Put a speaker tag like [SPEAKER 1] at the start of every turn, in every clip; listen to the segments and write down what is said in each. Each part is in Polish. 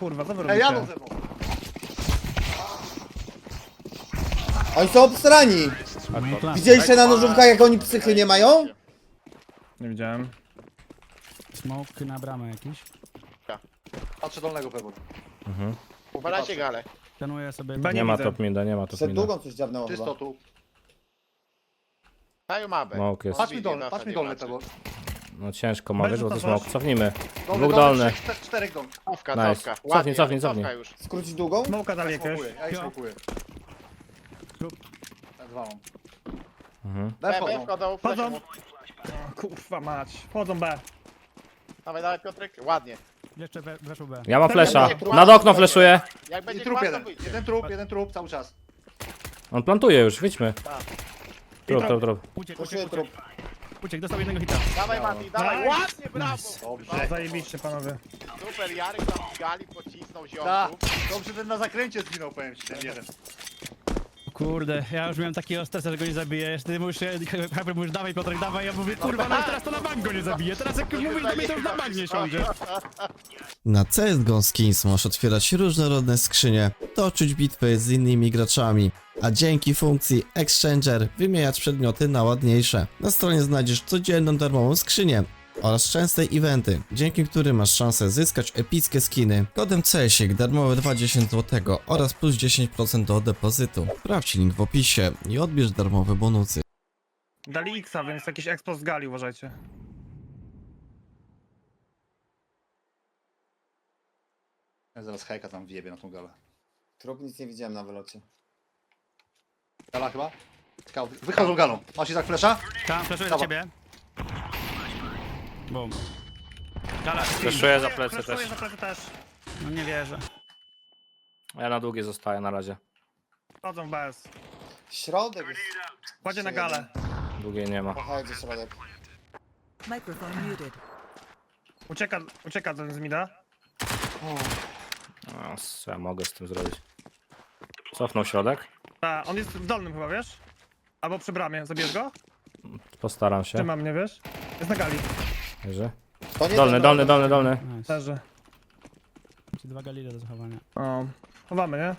[SPEAKER 1] kurwa, co wy
[SPEAKER 2] Ej, jadą
[SPEAKER 1] robicie?
[SPEAKER 2] ze mną.
[SPEAKER 3] Oni są obstrani!
[SPEAKER 4] No to
[SPEAKER 3] Widzieliście na nożówkach jak oni psychy nie mają?
[SPEAKER 1] Nie widziałem.
[SPEAKER 4] smoke na bramę jakiś.
[SPEAKER 2] Patrzę dolnego pewnie.
[SPEAKER 5] Uwalajcie galę.
[SPEAKER 4] Szanuję sobie.
[SPEAKER 1] Chyba
[SPEAKER 6] Nie ma
[SPEAKER 1] widzę.
[SPEAKER 6] top mida, nie ma top
[SPEAKER 3] Przed
[SPEAKER 6] mida.
[SPEAKER 3] długą coś dziabnęło
[SPEAKER 2] Czysto
[SPEAKER 3] chyba.
[SPEAKER 2] tu.
[SPEAKER 5] Dają mapę.
[SPEAKER 6] Smoke jest.
[SPEAKER 2] Patrz mi dolny tego.
[SPEAKER 6] No ciężko ma, wiesz, bo to
[SPEAKER 1] Będzie to
[SPEAKER 6] smoke. Cofnijmy.
[SPEAKER 2] Dolny,
[SPEAKER 6] Dwóch dolny.
[SPEAKER 2] Czterech dolny.
[SPEAKER 5] Cofka,
[SPEAKER 6] Nice.
[SPEAKER 5] cofka.
[SPEAKER 6] Cofnij,
[SPEAKER 5] Ładnie,
[SPEAKER 6] cofnij,
[SPEAKER 5] cofka
[SPEAKER 6] cofnij.
[SPEAKER 5] już.
[SPEAKER 3] Skrócić długą?
[SPEAKER 1] Smoka dali jakiegoś.
[SPEAKER 2] Smokuję, ja ich smokuję.
[SPEAKER 4] Trup.
[SPEAKER 2] Ja dwa mam.
[SPEAKER 6] Mhm.
[SPEAKER 2] Daj
[SPEAKER 5] B
[SPEAKER 2] wchodzą.
[SPEAKER 5] wchodzą,
[SPEAKER 1] Wchodzą.
[SPEAKER 5] flesze mu.
[SPEAKER 1] O, kurwa mać. Wchodzą B.
[SPEAKER 5] Dawaj, dawaj Piotrek, ładnie.
[SPEAKER 4] Jeszcze weszł B.
[SPEAKER 6] Ja mam flesza. Nad okno fleszuję.
[SPEAKER 5] Jak
[SPEAKER 2] I
[SPEAKER 5] będzie
[SPEAKER 2] trup
[SPEAKER 5] kłamstwo,
[SPEAKER 2] jeden.
[SPEAKER 5] wyjdzie.
[SPEAKER 2] Jeden trup cały czas.
[SPEAKER 6] On plantuje już, wyjdźmy. Trup.
[SPEAKER 3] Poszuję trup.
[SPEAKER 4] Uciek, dostał jednego hita.
[SPEAKER 5] Dawaj Mati, dawaj,
[SPEAKER 1] Nice.
[SPEAKER 5] ładnie, brawo.
[SPEAKER 2] Dobrze.
[SPEAKER 1] Zajebiście panowie.
[SPEAKER 5] Super, Jarek tam z gali pocisnął
[SPEAKER 2] Da.
[SPEAKER 5] ziomków.
[SPEAKER 2] Dobrze, ten na zakręcie zginął, powiem ci, ten jeden.
[SPEAKER 4] Kurde, ja już miałem takiego stresa, że go nie zabiję. Jeszcze ty mówisz, Hyper mówisz, dawaj Piotrek, dawaj. Ja mówię, kurwa, no i teraz to na bank go nie zabiję. Teraz jak już mówisz do mnie, to już na bank nie siądzie.
[SPEAKER 7] Na CSGO Skins możesz otwierać różnorodne skrzynie, toczyć bitwy z innymi graczami, a dzięki funkcji Exchanger wymieniać przedmioty na ładniejsze. Na stronie znajdziesz codzienną darmową skrzynię oraz częste eventy, dzięki którym masz szansę zyskać epickie skiny. Kodem CSIK darmowe 20 zł oraz plus 10% do depozytu. Sprawdź link w opisie i odbierz darmowe bonusy.
[SPEAKER 1] Dali X-a, więc jakiś expo z gali uważajcie.
[SPEAKER 2] Ja zaraz hejka tam wjebie na tą galę.
[SPEAKER 3] Trup nic nie widziałem na wylocie.
[SPEAKER 2] Gala chyba? Scout. Wychodzą galą. Masz Izak flesza?
[SPEAKER 4] Tam, flaszuję za ciebie. Bum. Gala,
[SPEAKER 6] Fleszuję za plecy
[SPEAKER 1] Flashuję
[SPEAKER 6] też.
[SPEAKER 1] za plecy też.
[SPEAKER 4] no nie wierzę.
[SPEAKER 6] Ja na długie zostaję na razie.
[SPEAKER 1] Wchodzą w BS.
[SPEAKER 3] Środek jest.
[SPEAKER 1] Kładzie na galę.
[SPEAKER 6] Długiej nie ma.
[SPEAKER 3] Pochodzi środek.
[SPEAKER 8] Microphone muted.
[SPEAKER 1] Ucieka ten z mida.
[SPEAKER 6] No, co ja mogę z tym zrobić? Cofnął środek.
[SPEAKER 1] A, on jest w dolnym chyba, wiesz? Albo przy bramie. Zabierz go?
[SPEAKER 6] Postaram się.
[SPEAKER 1] Trzyma mnie, wiesz? Jest na gali.
[SPEAKER 6] Leży.
[SPEAKER 3] To nie
[SPEAKER 6] Dolny,
[SPEAKER 3] ten
[SPEAKER 6] dolny.
[SPEAKER 4] Nice.
[SPEAKER 1] Leży.
[SPEAKER 4] Ci dwa galile do zachowania.
[SPEAKER 1] O. Chowamy, nie?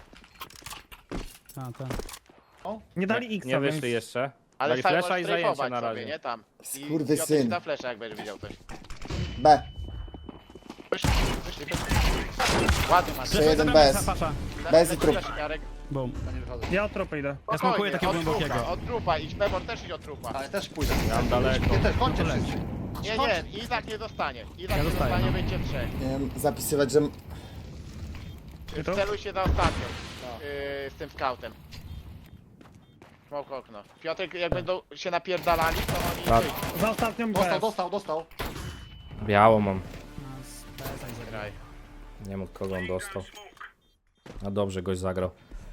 [SPEAKER 4] A, tak.
[SPEAKER 1] Nie dali
[SPEAKER 6] Nie,
[SPEAKER 1] X-a,
[SPEAKER 6] nie
[SPEAKER 1] więc...
[SPEAKER 6] wyszli jeszcze.
[SPEAKER 5] Ale
[SPEAKER 6] Dali
[SPEAKER 5] sam
[SPEAKER 6] flesza
[SPEAKER 5] możesz
[SPEAKER 6] i zajęcie
[SPEAKER 5] strajfować
[SPEAKER 6] na
[SPEAKER 5] sobie,
[SPEAKER 6] razie.
[SPEAKER 5] nie tam.
[SPEAKER 3] Skurwysyn.
[SPEAKER 5] Piotr da flesza, jak będziesz widział coś.
[SPEAKER 3] B.
[SPEAKER 5] Wyszli. Ładnie masz.
[SPEAKER 3] Jeszcze jeden bez.
[SPEAKER 4] Pasza.
[SPEAKER 3] Bez i trup.
[SPEAKER 5] Jarek.
[SPEAKER 4] Bum.
[SPEAKER 2] Ja nie wychodzę.
[SPEAKER 1] Ja od tropy idę.
[SPEAKER 4] Ja smokuję
[SPEAKER 5] Spokojnie,
[SPEAKER 4] takiego
[SPEAKER 5] od
[SPEAKER 4] głębokiego.
[SPEAKER 5] trupa, od trupa. Idź Pebor też idź od trupa.
[SPEAKER 2] Ale też pójdę.
[SPEAKER 6] Tam daleko.
[SPEAKER 2] Nie też, chodźcie wszyscy.
[SPEAKER 5] Nie, Izak nie dostanie. Izak nie
[SPEAKER 4] dostaję,
[SPEAKER 5] dostanie,
[SPEAKER 4] no.
[SPEAKER 5] będzie trzech.
[SPEAKER 3] Nie wiem, zapisywać, że...
[SPEAKER 1] I to?
[SPEAKER 5] Celuj się na ostatnią. Z tym scoutem. Smoke okno. Piotrek, jak będą się napierdalali, to oni
[SPEAKER 6] Tak.
[SPEAKER 5] wyjdą.
[SPEAKER 1] Za ostatnią
[SPEAKER 2] Dostał,
[SPEAKER 1] BS.
[SPEAKER 2] dostał.
[SPEAKER 6] Biało mam.
[SPEAKER 5] Graj.
[SPEAKER 6] Nie mógł kogo on dostał. A dobrze goś zagrał.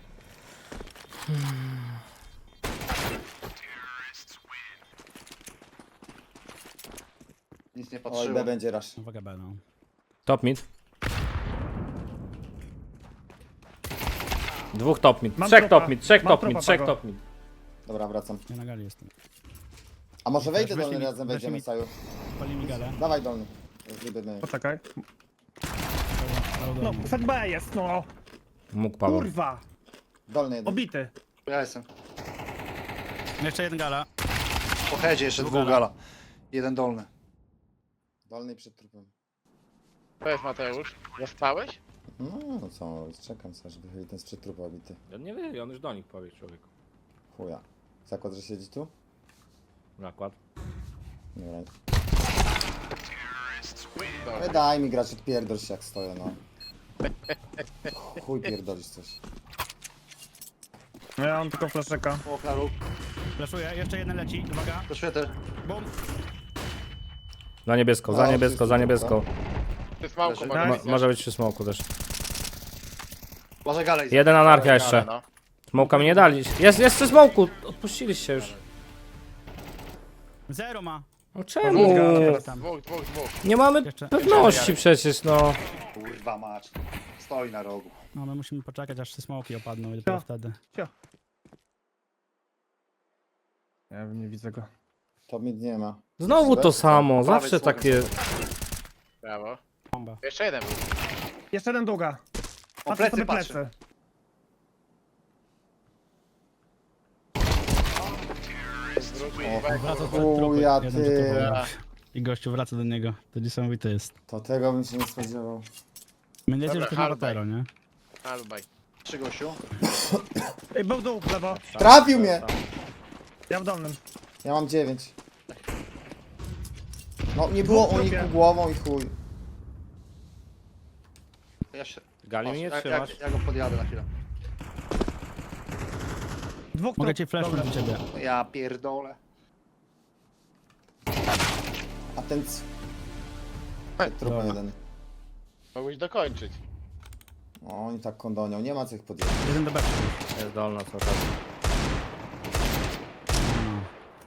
[SPEAKER 2] Nic nie
[SPEAKER 3] Oj,
[SPEAKER 2] patrzyło.
[SPEAKER 3] B będzie rush.
[SPEAKER 4] Uwaga B, no.
[SPEAKER 6] Top mid. Dwóch top mid.
[SPEAKER 1] Mam
[SPEAKER 6] Trzech
[SPEAKER 1] tropa.
[SPEAKER 6] top mid. Trzech
[SPEAKER 1] Mam
[SPEAKER 6] top
[SPEAKER 1] tropa,
[SPEAKER 6] mid. Trzech
[SPEAKER 1] Pago.
[SPEAKER 6] top mid.
[SPEAKER 3] Dobra, wracam.
[SPEAKER 4] Ja na gali jestem.
[SPEAKER 3] A może wejdę
[SPEAKER 4] Weź
[SPEAKER 3] dolny
[SPEAKER 4] mi-
[SPEAKER 3] razem,
[SPEAKER 4] weź
[SPEAKER 3] wejdziemy
[SPEAKER 4] mi-
[SPEAKER 3] Saju.
[SPEAKER 4] Pali mi galę.
[SPEAKER 3] Dawaj dolny. Zlibymy.
[SPEAKER 1] Poczekaj.
[SPEAKER 4] Dał
[SPEAKER 1] No,
[SPEAKER 4] dolny.
[SPEAKER 1] set B jest, no.
[SPEAKER 6] Mógł Paweł.
[SPEAKER 1] Kurwa.
[SPEAKER 3] Dolny jeden.
[SPEAKER 1] Obity.
[SPEAKER 2] Ja jestem.
[SPEAKER 4] Jeszcze jeden gala.
[SPEAKER 2] Po headzie jeszcze dwóch gala. Jeden dolny.
[SPEAKER 3] Dolny przed trupem.
[SPEAKER 5] To jest Mateusz. Zaspałeś?
[SPEAKER 3] No co, czekam sobie, żeby chyba ten sprzed trupa obity.
[SPEAKER 6] On nie wie, on już do nich powie człowieku.
[SPEAKER 3] Chuja. Zakład, że siedzi tu?
[SPEAKER 6] Nakład.
[SPEAKER 3] Dobra.
[SPEAKER 5] Dobra.
[SPEAKER 3] Daj mi grać, odpierdol się jak stoję, no. Chuj pierdolisz coś.
[SPEAKER 1] No ja mam tylko fleszeka.
[SPEAKER 2] O, klaru.
[SPEAKER 4] Flaszuję, jeszcze jeden leci. Uwaga.
[SPEAKER 2] To świetę.
[SPEAKER 4] Bum.
[SPEAKER 6] Za niebiesko, za
[SPEAKER 3] No,
[SPEAKER 6] niebiesko,
[SPEAKER 3] wszyscy
[SPEAKER 6] za
[SPEAKER 3] tu,
[SPEAKER 6] niebiesko.
[SPEAKER 5] Ty smałko
[SPEAKER 2] Leży.
[SPEAKER 5] może być.
[SPEAKER 6] Może być przy smoku też.
[SPEAKER 2] Może galę Izak.
[SPEAKER 6] Jeden anarchia jeszcze.
[SPEAKER 5] No.
[SPEAKER 6] Smoka mi nie dali. Jest przy smoku. Odpuściliście już.
[SPEAKER 4] Zero ma.
[SPEAKER 6] No czemu?
[SPEAKER 4] Tam.
[SPEAKER 5] Dwóch.
[SPEAKER 6] Nie mamy
[SPEAKER 4] Jeszcze-
[SPEAKER 6] pewności przecież, no.
[SPEAKER 2] Kurwa mać. Stoi na rogu.
[SPEAKER 4] No my musimy poczekać, aż te smoki opadną i dopiero
[SPEAKER 1] Co?
[SPEAKER 4] wtedy.
[SPEAKER 1] Ja nie widzę go.
[SPEAKER 3] To mid nie ma.
[SPEAKER 6] Znowu to samo,
[SPEAKER 2] Prawej
[SPEAKER 6] zawsze
[SPEAKER 2] smokiem
[SPEAKER 6] takie...
[SPEAKER 2] sobie.
[SPEAKER 5] Brawo.
[SPEAKER 4] Bomba.
[SPEAKER 5] Jeszcze jeden był.
[SPEAKER 1] Jeszcze jeden długa.
[SPEAKER 2] O,
[SPEAKER 1] Patrzę
[SPEAKER 2] plecy
[SPEAKER 1] sobie
[SPEAKER 2] patrzę.
[SPEAKER 1] plecy.
[SPEAKER 4] Wraca do
[SPEAKER 3] Chuja,
[SPEAKER 4] trupy. Jeden
[SPEAKER 3] ty.
[SPEAKER 4] typowy. I gościu wraca do niego. To niesamowite jest.
[SPEAKER 3] To tego bym się nie spodziewał.
[SPEAKER 4] Będziecie,
[SPEAKER 5] Dobra,
[SPEAKER 4] że to na
[SPEAKER 5] hardbaj.
[SPEAKER 4] Rotero, nie?
[SPEAKER 5] Albaj.
[SPEAKER 2] 3 gościu.
[SPEAKER 1] Ej, był dół w lewo.
[SPEAKER 3] Trafił mnie!
[SPEAKER 1] Ja w dolnym.
[SPEAKER 3] Ja mam 9. No nie było
[SPEAKER 1] Dwóch
[SPEAKER 3] uniku
[SPEAKER 1] trupie.
[SPEAKER 3] głową i chuj.
[SPEAKER 2] Ja się...
[SPEAKER 6] Gali mnie nie
[SPEAKER 2] ja,
[SPEAKER 6] trzymasz?
[SPEAKER 2] ja go podjadę na chwilę.
[SPEAKER 1] Dwóch
[SPEAKER 4] Mogę
[SPEAKER 1] trup.
[SPEAKER 4] ci flashnąć do ciebie.
[SPEAKER 2] Ja pierdolę.
[SPEAKER 3] A ten trupa
[SPEAKER 4] Dobra.
[SPEAKER 3] jeden.
[SPEAKER 5] Mogłeś dokończyć.
[SPEAKER 3] O, oni tak kondonią, nie ma co ich podjechać.
[SPEAKER 4] Jeden do B.
[SPEAKER 6] Jest dolna co teraz.
[SPEAKER 4] No.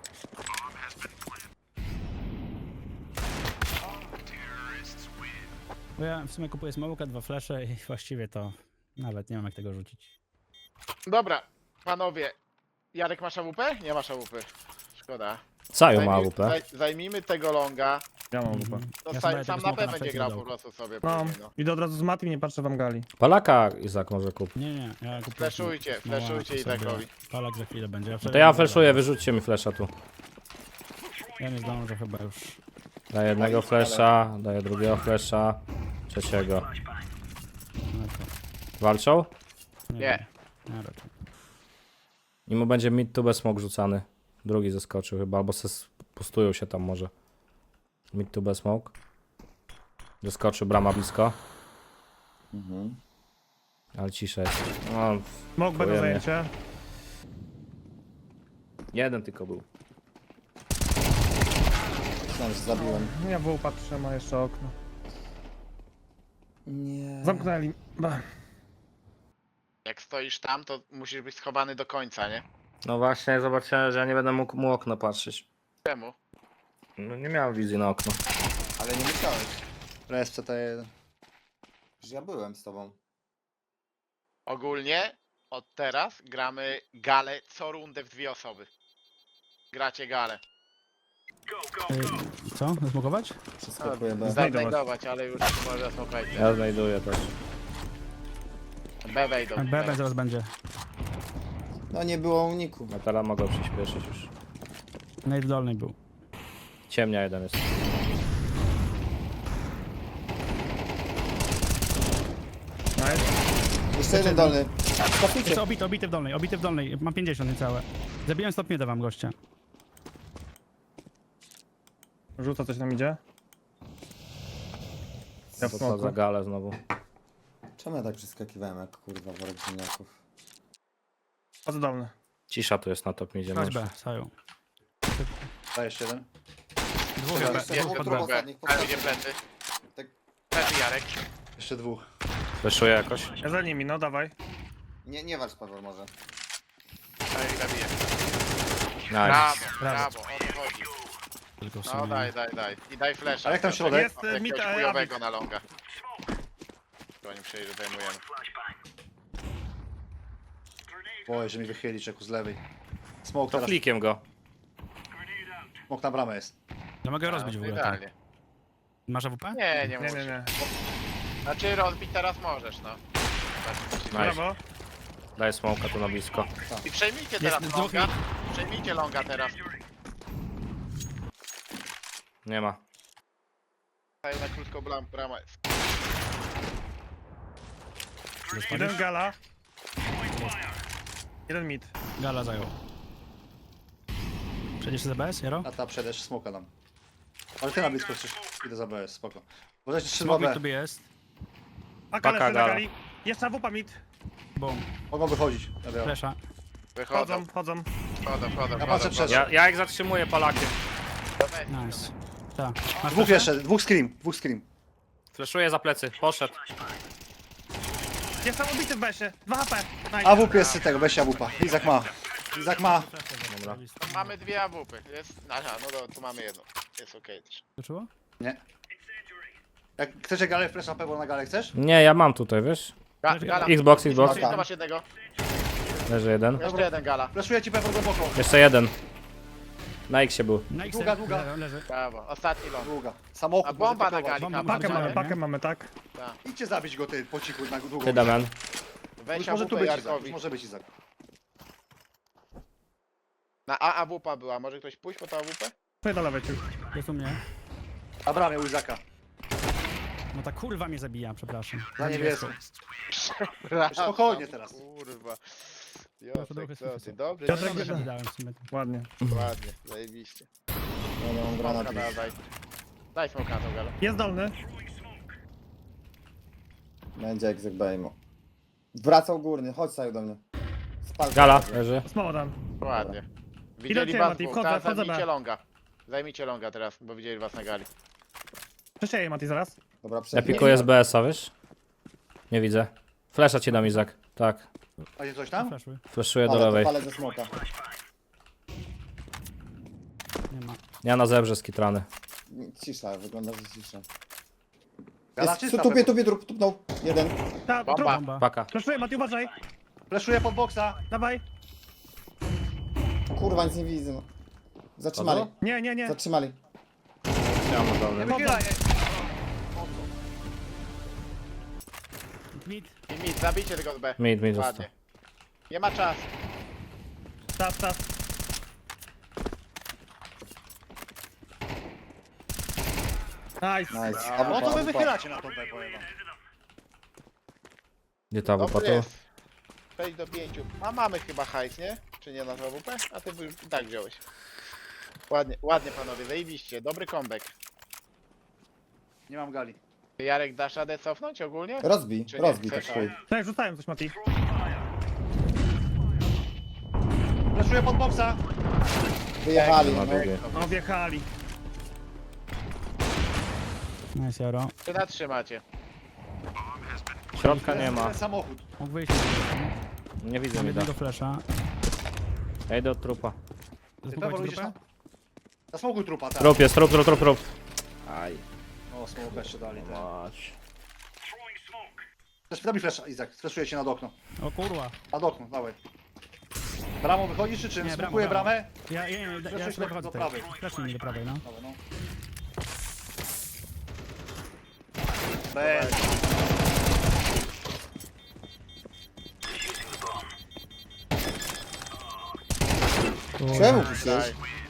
[SPEAKER 4] Bo ja w sumie kupuję smoka, 2 flesze i właściwie to nawet nie wiem jak tego rzucić.
[SPEAKER 5] Dobra, panowie. Jarek masz AWP? Nie masz AWP. Szkoda.
[SPEAKER 6] Saju ma AWP.
[SPEAKER 5] Zajmijmy tego longa.
[SPEAKER 1] Ja mam wupa.
[SPEAKER 5] No
[SPEAKER 4] Ja
[SPEAKER 5] sam,
[SPEAKER 4] sobie
[SPEAKER 5] sam
[SPEAKER 4] tego
[SPEAKER 5] na
[SPEAKER 4] smoka
[SPEAKER 5] P będzie
[SPEAKER 4] plecy
[SPEAKER 5] grał
[SPEAKER 4] dodał.
[SPEAKER 5] po prostu sobie.
[SPEAKER 1] No,
[SPEAKER 5] później, no.
[SPEAKER 1] idę od razu z Matim, nie patrzę wam gali.
[SPEAKER 6] Palaka Izak może kup.
[SPEAKER 4] Nie, nie, ja kupuję
[SPEAKER 5] Fleszujcie,
[SPEAKER 4] smoka.
[SPEAKER 5] fleszujcie i tak
[SPEAKER 4] sobie.
[SPEAKER 5] robi.
[SPEAKER 4] Palak za chwilę będzie.
[SPEAKER 6] To ja flashuję, wyrzućcie mi flasha tu.
[SPEAKER 4] Ja nie zdążę chyba już.
[SPEAKER 6] Daję jednego flasha, daję drugiego flasha, trzeciego.
[SPEAKER 4] No to,
[SPEAKER 6] Walczą?
[SPEAKER 5] Nie.
[SPEAKER 4] wiem. Nie, raczej.
[SPEAKER 6] I mu będzie mid tu bez smok rzucany. Drugi zeskoczył chyba, albo pustują się tam może. Mid tu bez smoke. Zeskoczył, brama blisko.
[SPEAKER 3] Mhm.
[SPEAKER 6] Ale cisza jest. No,
[SPEAKER 1] Mógł będą
[SPEAKER 6] Dziękujemy.
[SPEAKER 1] zajęcie.
[SPEAKER 6] jeden tylko był.
[SPEAKER 3] Myślałem, że zabiłem.
[SPEAKER 1] Ja w patrzę, ma jeszcze okno.
[SPEAKER 3] Nie.
[SPEAKER 1] Zamknęli. Ba.
[SPEAKER 5] Jak stoisz tam, to musisz być schowany do końca, nie?
[SPEAKER 6] No właśnie, zobaczyłem, że ja nie będę mógł mu okno patrzeć.
[SPEAKER 5] Czemu?
[SPEAKER 6] No nie miałem wizji na okno.
[SPEAKER 3] Ale nie musiałeś.
[SPEAKER 2] Res CT1.
[SPEAKER 3] Przecież ja byłem z tobą.
[SPEAKER 5] Ogólnie od teraz gramy galę co rundę w 2 osoby. Gracie galę.
[SPEAKER 4] Co? Zasmokować?
[SPEAKER 3] Przeskakuję B.
[SPEAKER 5] Znajdować, ale już może smokajcie.
[SPEAKER 6] Ja znajduję też.
[SPEAKER 5] B wejdą.
[SPEAKER 4] BB zaraz będzie.
[SPEAKER 3] No nie było uniku.
[SPEAKER 6] No teraz mogę przyspieszyć już.
[SPEAKER 4] Nate w dolnej był.
[SPEAKER 6] Ciemnia jeden jest.
[SPEAKER 3] Jeszcze jeden dolny.
[SPEAKER 4] Jest obity w dolnej, obity w dolnej. Mam 50 niecałe. Zabiłem stopnie wam gościa.
[SPEAKER 1] Rzuca coś nam idzie. Ja w
[SPEAKER 6] To co za
[SPEAKER 1] smoku.
[SPEAKER 6] galę znowu.
[SPEAKER 3] Czemu ja tak przeskakiwałem jak kurwa worek ziemniaków?
[SPEAKER 1] Chodzę dolny.
[SPEAKER 6] Cisza tu jest na top midzie.
[SPEAKER 4] Chodź B, Saju.
[SPEAKER 2] Dajesz jeden.
[SPEAKER 4] Dwóch
[SPEAKER 3] Jeszcze
[SPEAKER 4] B.
[SPEAKER 5] Jest
[SPEAKER 3] dwóch
[SPEAKER 5] ten
[SPEAKER 3] trup
[SPEAKER 5] drugi.
[SPEAKER 3] ostatnich.
[SPEAKER 5] Ale idzie plecy.
[SPEAKER 3] Tak.
[SPEAKER 5] Plecy Jarek.
[SPEAKER 2] Jeszcze 2.
[SPEAKER 6] Fleszuję jakoś.
[SPEAKER 1] Ja za nimi, no dawaj.
[SPEAKER 3] Nie walcz Paweł może.
[SPEAKER 5] Ale i zabiję.
[SPEAKER 6] Nice.
[SPEAKER 5] Brawo, o to chodzi.
[SPEAKER 4] Tylko w
[SPEAKER 5] No
[SPEAKER 4] sumie.
[SPEAKER 5] daj. I daj flasha.
[SPEAKER 2] A jak tam środek?
[SPEAKER 1] Jest,
[SPEAKER 5] Jakiegoś
[SPEAKER 1] mit,
[SPEAKER 5] chujowego na longa. To oni przejdzie, zajmujemy.
[SPEAKER 2] Boję, że mi wychyli czeku z lewej. Smoke
[SPEAKER 6] To
[SPEAKER 2] teraz.
[SPEAKER 6] flikiem go.
[SPEAKER 2] Smoke na bramę jest.
[SPEAKER 4] Ja mogę rozbić w ogóle. Tak.
[SPEAKER 5] Idealnie.
[SPEAKER 4] Masz AWP?
[SPEAKER 5] Nie
[SPEAKER 1] Nie,
[SPEAKER 5] musisz.
[SPEAKER 1] nie.
[SPEAKER 5] Znaczy rozbić teraz możesz, no.
[SPEAKER 6] Nice.
[SPEAKER 1] Brawo.
[SPEAKER 6] Daję smoka tu na blisko.
[SPEAKER 5] I przejmijcie teraz
[SPEAKER 4] dwóch
[SPEAKER 5] longa. Przejmijcie longa teraz.
[SPEAKER 6] Nie ma.
[SPEAKER 5] Stają na krótką bramę.
[SPEAKER 1] Jeden gala. Jeden mid.
[SPEAKER 4] Gala zajął. Przejdziesz za BS, Jaro?
[SPEAKER 2] A ta przedesz smoka nam. Ale ty na blisko chcesz. Idę za BS, spoko. Uważajcie, 3
[SPEAKER 4] Smok
[SPEAKER 2] B.
[SPEAKER 4] tu jest.
[SPEAKER 1] A
[SPEAKER 6] Paka
[SPEAKER 1] gala,
[SPEAKER 6] gala.
[SPEAKER 1] gali. Jeszcze wupa mid.
[SPEAKER 4] Boom.
[SPEAKER 2] Mogą wychodzić. Ja biorę.
[SPEAKER 4] Flesza.
[SPEAKER 5] Wychodzą,
[SPEAKER 1] Chodzą.
[SPEAKER 5] wchodzą.
[SPEAKER 2] Ja patrzę przed.
[SPEAKER 6] Ja ich zatrzymuję palakiem.
[SPEAKER 4] Nice. Tak. Masz
[SPEAKER 2] Dwóch
[SPEAKER 4] flesza?
[SPEAKER 2] jeszcze, dwóch scream.
[SPEAKER 6] Fleszuję za plecy. Poszedł.
[SPEAKER 1] Jestem ubity w besie. 2 HP. Nice.
[SPEAKER 2] AWP jest z tego, weź AWP. Izak ma.
[SPEAKER 6] Dobra.
[SPEAKER 5] Mamy 2 AWP. Jest. Aha, no to tu mamy jedną. Jest okej też.
[SPEAKER 4] Skoczyło?
[SPEAKER 2] Nie. Jak chcecie galę, flash na pewno na galę chcesz?
[SPEAKER 6] Nie, ja mam tutaj, wiesz?
[SPEAKER 5] Gala.
[SPEAKER 6] Xbox.
[SPEAKER 5] To masz jednego.
[SPEAKER 6] Leży jeden.
[SPEAKER 5] Jeszcze jeden gala.
[SPEAKER 2] Flashuję ci pewno głęboko.
[SPEAKER 6] Jeszcze jeden. Na X był.
[SPEAKER 4] Na X.
[SPEAKER 2] Długa, długa.
[SPEAKER 4] Leży.
[SPEAKER 5] Brawo, ostatni ląd.
[SPEAKER 2] Długa. Samochód.
[SPEAKER 5] A bomba
[SPEAKER 2] może
[SPEAKER 5] na gali,
[SPEAKER 4] Bomba
[SPEAKER 5] kamer.
[SPEAKER 1] Pakę mamy,
[SPEAKER 4] nie?
[SPEAKER 1] pakę mamy, tak?
[SPEAKER 2] Idźcie zabić go ty po cichu na długą.
[SPEAKER 6] Ty, Damian.
[SPEAKER 5] Weź
[SPEAKER 2] Już może tu
[SPEAKER 5] AWP
[SPEAKER 2] być Izak, już
[SPEAKER 5] Jarkowi.
[SPEAKER 2] może być Izak.
[SPEAKER 5] Na A AWP była, może ktoś pójść po to AWP?
[SPEAKER 1] Tutaj do lewej ciu.
[SPEAKER 4] Jest u mnie.
[SPEAKER 2] Na bramie u Izaka.
[SPEAKER 4] No ta kurwa mnie zabija, przepraszam.
[SPEAKER 2] Za niebieską. Spokojnie teraz.
[SPEAKER 5] Kurwa.
[SPEAKER 4] Proszę,
[SPEAKER 5] Josek,
[SPEAKER 4] trochę
[SPEAKER 5] co ty?
[SPEAKER 4] słyszę.
[SPEAKER 5] Dobrze,
[SPEAKER 1] Piotrek,
[SPEAKER 5] dobrze.
[SPEAKER 1] gdzie-
[SPEAKER 4] Dałem w sumie.
[SPEAKER 1] Ładnie.
[SPEAKER 5] Ładnie, zajebiście.
[SPEAKER 3] Ja nie mam granatu.
[SPEAKER 5] Smoka dawaj. Daj smoka na tą galę.
[SPEAKER 1] Jest dolny.
[SPEAKER 3] Będzie egzek Bejmo. Wracał górny, chodź Saju do mnie. Spal.
[SPEAKER 6] Gala leży.
[SPEAKER 1] Smoła tam.
[SPEAKER 5] Ładnie.
[SPEAKER 1] Idę
[SPEAKER 5] Widzieli
[SPEAKER 1] cię,
[SPEAKER 5] was
[SPEAKER 1] Mati,
[SPEAKER 5] dwóch,
[SPEAKER 1] wchodzę,
[SPEAKER 5] teraz
[SPEAKER 1] wchodzę
[SPEAKER 5] zajmijcie
[SPEAKER 1] B.
[SPEAKER 5] longa. Zajmijcie longa teraz, bo widzieli was na gali.
[SPEAKER 1] Przesieję Mati zaraz.
[SPEAKER 3] Dobra,
[SPEAKER 6] Ja
[SPEAKER 3] przejdę.
[SPEAKER 6] pikuję z BS-a, wiesz? Nie widzę. Flesza ci dam, Izak. Tak.
[SPEAKER 2] Macie coś tam?
[SPEAKER 4] Fleszły.
[SPEAKER 6] Fleszuję do
[SPEAKER 3] Ale to
[SPEAKER 6] lewej.
[SPEAKER 3] palę ze smoka.
[SPEAKER 4] Nie ma.
[SPEAKER 6] Ja na zebrze skitrany.
[SPEAKER 3] Cisza, wygląda, że cisza.
[SPEAKER 2] Gala
[SPEAKER 3] Jest,
[SPEAKER 2] czysta
[SPEAKER 3] tupie,
[SPEAKER 2] pewnie.
[SPEAKER 3] tupnął. Jeden.
[SPEAKER 1] Ta,
[SPEAKER 5] Bomba.
[SPEAKER 1] trup.
[SPEAKER 4] Bomba.
[SPEAKER 6] Paka.
[SPEAKER 1] Fleszuję Mati, uważaj.
[SPEAKER 2] Fleszuję pod boksa.
[SPEAKER 1] Dawaj.
[SPEAKER 3] Kurwa, nic nie widzę. No. Zatrzymali.
[SPEAKER 6] Co to?
[SPEAKER 1] Nie, nie, nie.
[SPEAKER 3] Zatrzymali.
[SPEAKER 6] Ja mam dolny.
[SPEAKER 2] Wychylaj.
[SPEAKER 4] Mid.
[SPEAKER 5] I mid, zabijcie tego z B.
[SPEAKER 6] Mid został.
[SPEAKER 5] Ładnie. Nie ma czasu.
[SPEAKER 1] Tas, tas. Nice.
[SPEAKER 3] Nice.
[SPEAKER 2] No to wy
[SPEAKER 3] AWP.
[SPEAKER 2] wychylacie na tą B, powiem wam.
[SPEAKER 6] Gdzie ta
[SPEAKER 5] Dobry
[SPEAKER 6] WP tu?
[SPEAKER 5] jest. 6 do 5. A mamy chyba hajs, nie? Czy nie na AWP? A ty już i tak wziąłeś. Ładnie, ładnie panowie, zajebiście. Dobry comeback.
[SPEAKER 2] Nie mam gali.
[SPEAKER 5] Jarek, dasz radę cofnąć ogólnie?
[SPEAKER 3] Rozbij,
[SPEAKER 5] Czy nie?
[SPEAKER 3] rozbij, tak
[SPEAKER 5] Chcesz?
[SPEAKER 3] chuj.
[SPEAKER 1] Tak, rzucałem coś Mati.
[SPEAKER 2] Fleszuję pod boksa.
[SPEAKER 3] Wyjechali,
[SPEAKER 6] Na
[SPEAKER 3] no.
[SPEAKER 6] długie.
[SPEAKER 1] No wjechali.
[SPEAKER 4] Nice, Jaro.
[SPEAKER 5] 3 na 3 macie.
[SPEAKER 6] Środka nie ma.
[SPEAKER 2] Ten samochód.
[SPEAKER 4] Mógł wyjść.
[SPEAKER 6] Nie widzę
[SPEAKER 4] Mam
[SPEAKER 6] mi da.
[SPEAKER 4] jednego flesza.
[SPEAKER 6] Ja idę od trupa.
[SPEAKER 2] Pewor,
[SPEAKER 4] Zasmukować
[SPEAKER 2] widzisz
[SPEAKER 4] grupę?
[SPEAKER 2] tam? Na smoku trupa, tak.
[SPEAKER 6] Trup jest, trup. Aj.
[SPEAKER 2] O, smoka jeszcze dali. Tak.
[SPEAKER 6] Mać.
[SPEAKER 2] Daj mi flesza, Izak. Fleszuję cię nad okno.
[SPEAKER 4] O kurwa.
[SPEAKER 2] Nad okno, dawaj. Bramą wychodzisz czy czym?
[SPEAKER 4] Nie,
[SPEAKER 2] Smokuję
[SPEAKER 4] bramą.
[SPEAKER 2] bramę?
[SPEAKER 4] Ja
[SPEAKER 2] Fleszuję
[SPEAKER 4] sobie wychodzę
[SPEAKER 2] do
[SPEAKER 4] teraz.
[SPEAKER 2] prawej.
[SPEAKER 4] Fleszuj mi do prawej, no.
[SPEAKER 2] Dobra, no. Bez.
[SPEAKER 3] Czemu puściłeś?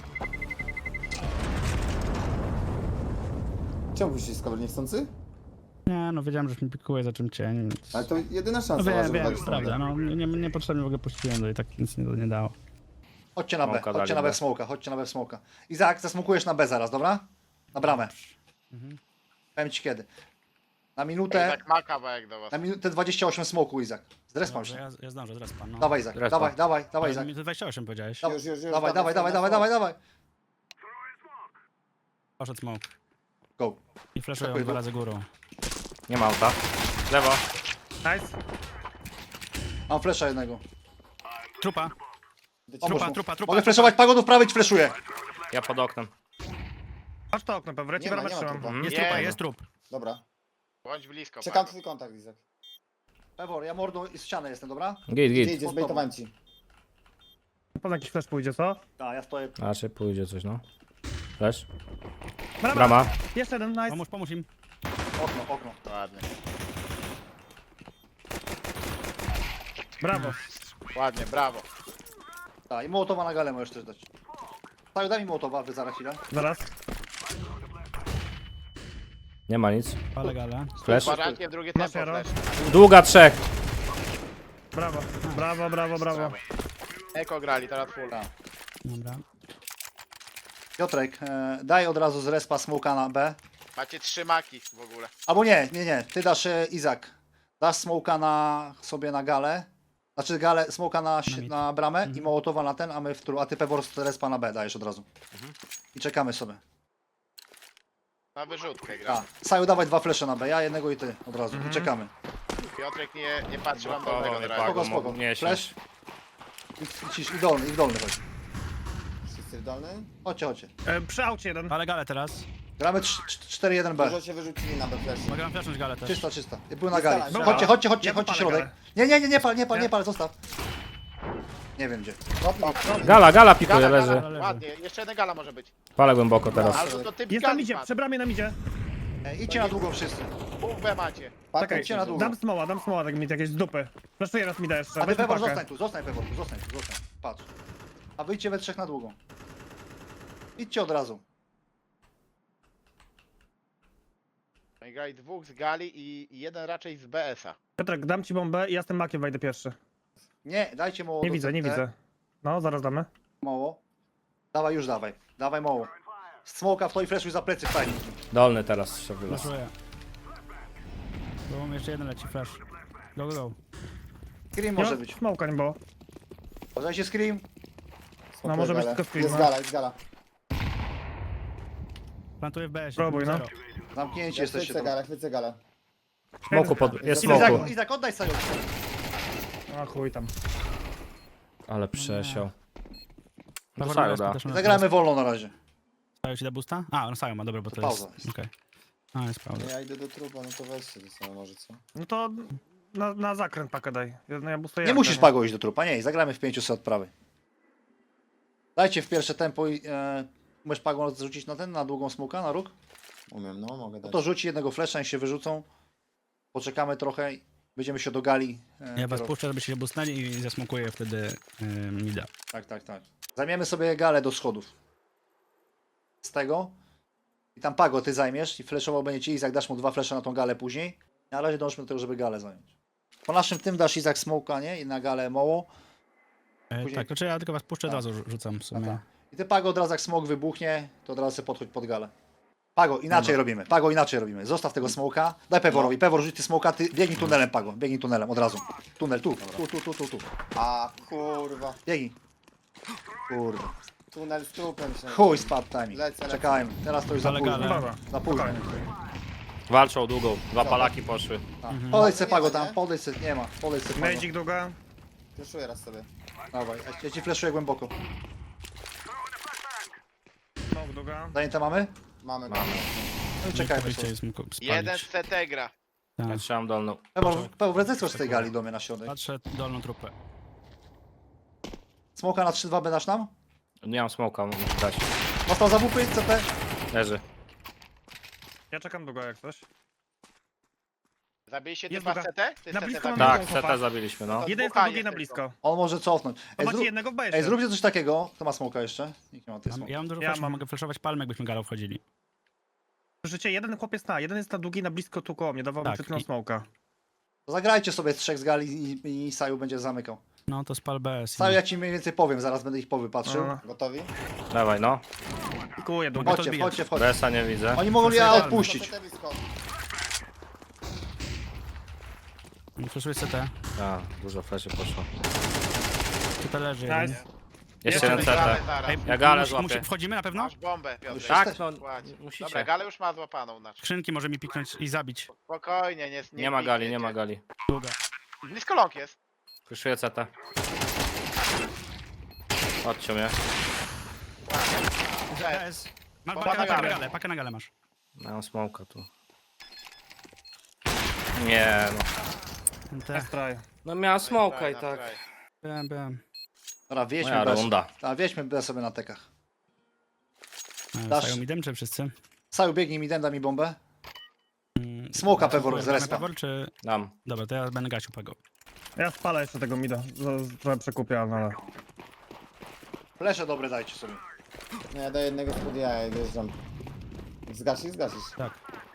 [SPEAKER 3] Czemu puściłeś skoro niechcący?
[SPEAKER 4] Nie, no wiedziałem, że mi pikuje za czym cień, więc...
[SPEAKER 3] Ale to jedyna
[SPEAKER 4] No
[SPEAKER 3] szansa,
[SPEAKER 4] wiem,
[SPEAKER 3] żeby
[SPEAKER 4] wiem,
[SPEAKER 3] dać
[SPEAKER 4] prawda,
[SPEAKER 3] stronę.
[SPEAKER 4] no niepotrzebnie w ogóle puściłem, to i tak nic nie dało.
[SPEAKER 2] Chodźcie na B,
[SPEAKER 6] Smoka
[SPEAKER 2] chodźcie
[SPEAKER 6] dali
[SPEAKER 2] na B
[SPEAKER 6] B.
[SPEAKER 2] w smoka, chodźcie na B w smoka. Izak, zasmokujesz na B zaraz, dobra? Na bramę. Powiem ci kiedy. Na minutę,
[SPEAKER 5] Tak ma kawałek do was.
[SPEAKER 2] na minutę 28 smoku, Izak. Zrespam
[SPEAKER 4] Dobrze,
[SPEAKER 2] się.
[SPEAKER 4] ja zdążę, zaraz pan, no.
[SPEAKER 2] Dawaj, Izak,
[SPEAKER 6] Respa.
[SPEAKER 2] dawaj,
[SPEAKER 4] Ale
[SPEAKER 2] Izak.
[SPEAKER 4] mi to 28 powiedziałeś.
[SPEAKER 3] Już,
[SPEAKER 2] Dawaj,
[SPEAKER 3] na
[SPEAKER 2] dawaj.
[SPEAKER 4] Poszedł smoke.
[SPEAKER 2] Go.
[SPEAKER 4] I flashują
[SPEAKER 2] Dziękuję,
[SPEAKER 4] 2
[SPEAKER 2] go.
[SPEAKER 4] razy górą.
[SPEAKER 6] Nie ma auta. Lewo.
[SPEAKER 1] Nice.
[SPEAKER 2] Mam flesza jednego.
[SPEAKER 4] Trupa.
[SPEAKER 2] Pomóż
[SPEAKER 4] Trupa,
[SPEAKER 2] mu.
[SPEAKER 4] trupa.
[SPEAKER 2] Mogę fleszować, pagodów prawej ci fleszuję.
[SPEAKER 6] Ja pod oknem.
[SPEAKER 1] Masz to okno, pewnie.
[SPEAKER 3] Nie
[SPEAKER 1] Ci
[SPEAKER 3] ma,
[SPEAKER 1] bramę
[SPEAKER 3] nie ma
[SPEAKER 1] trzymam.
[SPEAKER 3] trupa.
[SPEAKER 4] Jest
[SPEAKER 5] Nie,
[SPEAKER 4] trupa,
[SPEAKER 5] no.
[SPEAKER 4] jest trup.
[SPEAKER 3] Dobra.
[SPEAKER 5] Bądź blisko.
[SPEAKER 3] Czekam
[SPEAKER 5] Pago.
[SPEAKER 3] twój kontakt, Izak.
[SPEAKER 2] Pewor, ja mordą i z ściany jestem, dobra?
[SPEAKER 6] Git.
[SPEAKER 3] Idzie, zbejtowałem ci.
[SPEAKER 1] Poza jakiś flash pójdzie, co?
[SPEAKER 2] Tak, ja stoję.
[SPEAKER 6] A czy pójdzie coś, no. Flash.
[SPEAKER 1] Brama.
[SPEAKER 6] Brama.
[SPEAKER 1] Jeszcze jeden, nice.
[SPEAKER 4] Pomóż im.
[SPEAKER 2] Okno.
[SPEAKER 5] Ładnie.
[SPEAKER 1] Brawo.
[SPEAKER 5] Ładnie, brawo.
[SPEAKER 2] Tak, i mołotowa na galę możesz też dać. Tak, daj mi mołotowa, wy zaraz chwilę.
[SPEAKER 1] Zaraz.
[SPEAKER 6] Nie ma nic.
[SPEAKER 4] Ale gale.
[SPEAKER 6] Flash.
[SPEAKER 5] Kwadrantnie drugie
[SPEAKER 1] Masz,
[SPEAKER 5] tempo
[SPEAKER 1] Jaro?
[SPEAKER 5] flash.
[SPEAKER 6] Długa 3.
[SPEAKER 1] Brawo. Brawo.
[SPEAKER 5] Eko grali, teraz full.
[SPEAKER 2] Tak.
[SPEAKER 4] Dobra.
[SPEAKER 2] Piotrek, daj od razu z respa smoka na B.
[SPEAKER 5] Macie 3 maki w ogóle.
[SPEAKER 2] Albo nie. Ty dasz Izak. Dasz smoka sobie na galę. Znaczy galę, smoka
[SPEAKER 4] mid.
[SPEAKER 2] na bramę i mołotowa na ten, a ty Pewor z respa na B dajesz od razu. I czekamy sobie.
[SPEAKER 5] Na wyrzutkę gra.
[SPEAKER 2] A, Saju dawaj 2 flesze na B, ja jednego i ty od razu. I czekamy.
[SPEAKER 5] Piotrek nie patrzy wam do tego na
[SPEAKER 2] Spoko,
[SPEAKER 5] razie.
[SPEAKER 2] spoko.
[SPEAKER 6] Nie,
[SPEAKER 2] Flash. I w dolny chodź.
[SPEAKER 3] Wszyscy w dolny?
[SPEAKER 2] Chodźcie.
[SPEAKER 1] Przy aucie jeden.
[SPEAKER 4] Ale gale teraz.
[SPEAKER 2] Gramy 4-1B.
[SPEAKER 3] Dużo się wyrzucili na B-flash.
[SPEAKER 4] Mogę wam flashnąć gale też.
[SPEAKER 2] Czysta. I był na
[SPEAKER 3] Jest
[SPEAKER 2] gali.
[SPEAKER 3] gala,
[SPEAKER 2] Chodźcie,
[SPEAKER 1] Ja
[SPEAKER 2] chodźcie
[SPEAKER 1] popalę
[SPEAKER 2] środek.
[SPEAKER 1] galę.
[SPEAKER 2] Nie pal, zostaw. Nie wiem gdzie.
[SPEAKER 6] Gala pikuje, leży.
[SPEAKER 4] leży.
[SPEAKER 5] Ładnie, jeszcze jedna gala może być.
[SPEAKER 6] Palę głęboko teraz.
[SPEAKER 5] Albo to typ
[SPEAKER 1] Jest na
[SPEAKER 5] gali
[SPEAKER 1] midzie,
[SPEAKER 5] padł.
[SPEAKER 1] przy bramie na midzie.
[SPEAKER 2] Idźcie na długą wszyscy.
[SPEAKER 5] Pół B macie.
[SPEAKER 1] Czekaj,
[SPEAKER 2] idźcie na długo.
[SPEAKER 1] dam smoła, tak mi jakieś z dupy. Flaszuję raz mi da jeszcze,
[SPEAKER 2] A ty
[SPEAKER 1] weź
[SPEAKER 2] Pewor
[SPEAKER 1] pakę.
[SPEAKER 2] zostań tu, zostań Pewor tu, zostań. Patrz. A wyjdźcie we trzech na długą. Idźcie od razu.
[SPEAKER 5] No i grali dwóch z gali i jeden raczej z BS-a.
[SPEAKER 1] Piotrek, dam ci bombę i ja z tym makiem wejdę pierwszy.
[SPEAKER 2] Nie, dajcie mało
[SPEAKER 1] Nie
[SPEAKER 2] do
[SPEAKER 1] widzę, nie
[SPEAKER 2] CT.
[SPEAKER 1] widzę. No, zaraz damy.
[SPEAKER 2] Mało. Dawaj, już dawaj. Dawaj mało. Smoka w to i flashuj za plecy fajnie.
[SPEAKER 6] Dolny teraz się wylazł.
[SPEAKER 4] Flashuję. Bo mam jeszcze jeden leci flash. Go, go, go.
[SPEAKER 2] Scream
[SPEAKER 1] Nie
[SPEAKER 2] może
[SPEAKER 1] ma
[SPEAKER 2] być.
[SPEAKER 1] smoka, nie było.
[SPEAKER 2] Uważajcie Scream.
[SPEAKER 3] Smokuję
[SPEAKER 1] może być
[SPEAKER 3] galę.
[SPEAKER 1] tylko screen,
[SPEAKER 3] Jest
[SPEAKER 1] no.
[SPEAKER 3] gala, jest gala.
[SPEAKER 4] Plantuję w BS.
[SPEAKER 1] Próbuj, no.
[SPEAKER 2] Zamknięci
[SPEAKER 3] Ja
[SPEAKER 2] jesteście
[SPEAKER 3] chwycę
[SPEAKER 2] tam.
[SPEAKER 3] galę, chwycę galę.
[SPEAKER 6] Smoku jest
[SPEAKER 3] Izak,
[SPEAKER 6] smoku.
[SPEAKER 2] Izak, oddaj Saju.
[SPEAKER 1] A chuj tam.
[SPEAKER 6] Ale przesiał.
[SPEAKER 4] Dobra,
[SPEAKER 6] Dostają, da.
[SPEAKER 2] Zagramy wolno na razie.
[SPEAKER 4] Stają ci da boosta? A, on stają ma, dobra, bo
[SPEAKER 2] To
[SPEAKER 4] to
[SPEAKER 2] pauza
[SPEAKER 4] jest...
[SPEAKER 2] jest.
[SPEAKER 4] Okej. A, jest pauza.
[SPEAKER 3] Ja idę do trupa, no to weźcie ze sobą może, co?
[SPEAKER 1] No to na zakręt pakę daj. No ja bustuję
[SPEAKER 2] Nie
[SPEAKER 1] jak,
[SPEAKER 2] musisz Pago iść do trupa, nie, zagramy w 500 od prawej. Dajcie w pierwsze tempo i umiesz Pago zrzucić na ten, na długą smoka, na róg?
[SPEAKER 3] Umiem, no mogę
[SPEAKER 2] No
[SPEAKER 3] dać.
[SPEAKER 2] to rzuci jednego flesza i się wyrzucą. Poczekamy trochę i będziemy się dogali.
[SPEAKER 4] Ja was
[SPEAKER 2] kierować.
[SPEAKER 4] puszczę, żebyście się boostnęli i zasmokuję wtedy mida.
[SPEAKER 2] Tak. Zajmiemy sobie galę do schodów. Z tego. I tam Pago ty zajmiesz i fleszował będzie ci Izak, dasz mu 2 flesze na tą galę później. Na razie dążmy do tego, żeby galę zająć. Po naszym tym dasz Izak smoka, nie? I na galę moło. Później-
[SPEAKER 4] Tak, znaczy ja tylko was puszczę, od
[SPEAKER 2] Tak.
[SPEAKER 4] razu rzucam w sumie.
[SPEAKER 2] I ty Pago od razu jak smok wybuchnie, to od razu sobie podchodź pod galę. Pago, inaczej robimy. Pago, inaczej robimy. Zostaw tego smoka. Daj Peworowi. Pewor, rzuć ty smoka, ty biegnij tunelem, Pago. Biegnij tunelem od razu. Tunel, tu.
[SPEAKER 3] A kurwa.
[SPEAKER 2] Biegnij. Kurde.
[SPEAKER 3] Tunel z trupem się.
[SPEAKER 2] Chuj, spadł timing.
[SPEAKER 3] Lecę.
[SPEAKER 2] Czekajmy. Teraz to już za
[SPEAKER 4] Ale
[SPEAKER 2] późno.
[SPEAKER 4] gale.
[SPEAKER 1] Dobra,
[SPEAKER 2] Za późno.
[SPEAKER 1] spokojnie.
[SPEAKER 6] Walczą długą. 2 palaki poszły.
[SPEAKER 2] Podejdź se
[SPEAKER 3] Nie
[SPEAKER 2] Pago
[SPEAKER 3] ma,
[SPEAKER 2] tam,
[SPEAKER 3] nie?
[SPEAKER 2] podejdź se, nie ma. Podejdź se Pago.
[SPEAKER 1] Nejdzik długa.
[SPEAKER 3] Fleszuję raz sobie.
[SPEAKER 2] Dawaj, ja ci fleszuję głęboko.
[SPEAKER 1] Smok długa.
[SPEAKER 2] Zajęte mamy?
[SPEAKER 3] Mamy.
[SPEAKER 2] No i czekajmy
[SPEAKER 4] Wyjście
[SPEAKER 2] sobie.
[SPEAKER 4] jest mógł spalić.
[SPEAKER 5] Jeden z CT gra.
[SPEAKER 4] Tak.
[SPEAKER 6] Ja trzymam dolną.
[SPEAKER 2] Pewor, wracaj z tej gali do mnie na środek.
[SPEAKER 4] Patrzę dolną trupę.
[SPEAKER 2] Smoka na 3-2 dasz nam?
[SPEAKER 6] Nie mam smoka, muszę dać.
[SPEAKER 2] Dostał za WP, CT.
[SPEAKER 6] Leży.
[SPEAKER 1] Ja czekam długo jak coś.
[SPEAKER 5] Zabiliście
[SPEAKER 1] Jest
[SPEAKER 5] typa z
[SPEAKER 1] długa.
[SPEAKER 5] CT? Ty
[SPEAKER 1] Na
[SPEAKER 5] CT
[SPEAKER 1] blisko mam
[SPEAKER 5] zabiłeś?
[SPEAKER 6] Tak,
[SPEAKER 1] chłopak.
[SPEAKER 6] CT zabiliśmy, no.
[SPEAKER 1] Jeden jest na
[SPEAKER 5] Dmuchanie
[SPEAKER 1] długiej na
[SPEAKER 5] tylko.
[SPEAKER 1] blisko.
[SPEAKER 2] On może cofnąć.
[SPEAKER 1] To
[SPEAKER 2] Ej,
[SPEAKER 1] macie jednego w
[SPEAKER 2] Ej,
[SPEAKER 1] bezie.
[SPEAKER 2] zróbcie coś takiego. Kto ma smoka jeszcze? Nikt nie ma tej smoka.
[SPEAKER 4] Ja mam dużo
[SPEAKER 1] Ja
[SPEAKER 4] flashów,
[SPEAKER 1] mam.
[SPEAKER 4] mogę flashować palmy, jakbyśmy galą wchodzili.
[SPEAKER 1] Słyszycie, jeden chłopiec jeden jest na długiej na blisko tu koło mnie, dawał mi
[SPEAKER 4] Tak,
[SPEAKER 1] przed chwilą
[SPEAKER 4] i-
[SPEAKER 1] smoka.
[SPEAKER 2] To zagrajcie sobie z 3 z gali i Saju będzie zamykał.
[SPEAKER 4] No to spal BS.
[SPEAKER 2] Saju, ja ci mniej więcej powiem, zaraz będę ich powypatrzył.
[SPEAKER 1] No,
[SPEAKER 3] Gotowi?
[SPEAKER 6] Dawaj, no.
[SPEAKER 1] pikuję długo.
[SPEAKER 4] to
[SPEAKER 2] Chodźcie,
[SPEAKER 4] odbijać.
[SPEAKER 2] wchodźcie.
[SPEAKER 6] BS-a nie widzę.
[SPEAKER 2] Oni mogą ja odpuścić.
[SPEAKER 3] CT blisko.
[SPEAKER 4] Flashuję CT.
[SPEAKER 6] A, dużo fleszy poszło.
[SPEAKER 4] Tutaj leży jeden.
[SPEAKER 1] Nice.
[SPEAKER 6] Jeszcze jeden
[SPEAKER 5] Gramy
[SPEAKER 6] CT.
[SPEAKER 5] zaraz.
[SPEAKER 6] Ja galę złapię.
[SPEAKER 4] Wchodzimy na pewno?
[SPEAKER 5] Masz bombę, Piotr.
[SPEAKER 6] Tak, no,
[SPEAKER 5] Ładnie.
[SPEAKER 6] musicie.
[SPEAKER 5] Dobra, galę już ma złapaną. Znaczy.
[SPEAKER 4] Skrzynki może mi piknąć i zabić.
[SPEAKER 5] Spokojnie,
[SPEAKER 6] Nie ma gali,
[SPEAKER 5] pikniecie.
[SPEAKER 6] nie ma gali.
[SPEAKER 4] Długa.
[SPEAKER 5] Blisko long jest.
[SPEAKER 6] Kryszuję CT. Chodźcie mnie.
[SPEAKER 4] BS. Masz
[SPEAKER 5] Pakę na galę.
[SPEAKER 4] pakę na galę masz.
[SPEAKER 6] Mam smoka tu. Nie no.
[SPEAKER 4] NT.
[SPEAKER 1] Try.
[SPEAKER 6] No miałem smoka i
[SPEAKER 5] Na
[SPEAKER 6] tak.
[SPEAKER 5] fraj.
[SPEAKER 4] Byłem.
[SPEAKER 2] Dobra, wieźmy
[SPEAKER 6] Moja
[SPEAKER 2] bez.
[SPEAKER 6] runda.
[SPEAKER 2] A wieźmy bez sobie na tekach. Dasz-
[SPEAKER 4] Dasz. Idem czy wszyscy?
[SPEAKER 2] Saju, biegnij mi, daj mi bombę. Smoka Pewor z respa.
[SPEAKER 4] Pewor czy...
[SPEAKER 6] Dam.
[SPEAKER 4] Dobra, to ja będę gasił Pago.
[SPEAKER 1] Ja spalę jeszcze tego mida. Trochę przekupię, no ale...
[SPEAKER 2] Flesze dobre dajcie sobie.
[SPEAKER 3] Nie, ja daję jednego spod jaja i wjeżdżam. Zgasisz? Zgasisz.
[SPEAKER 4] Tak.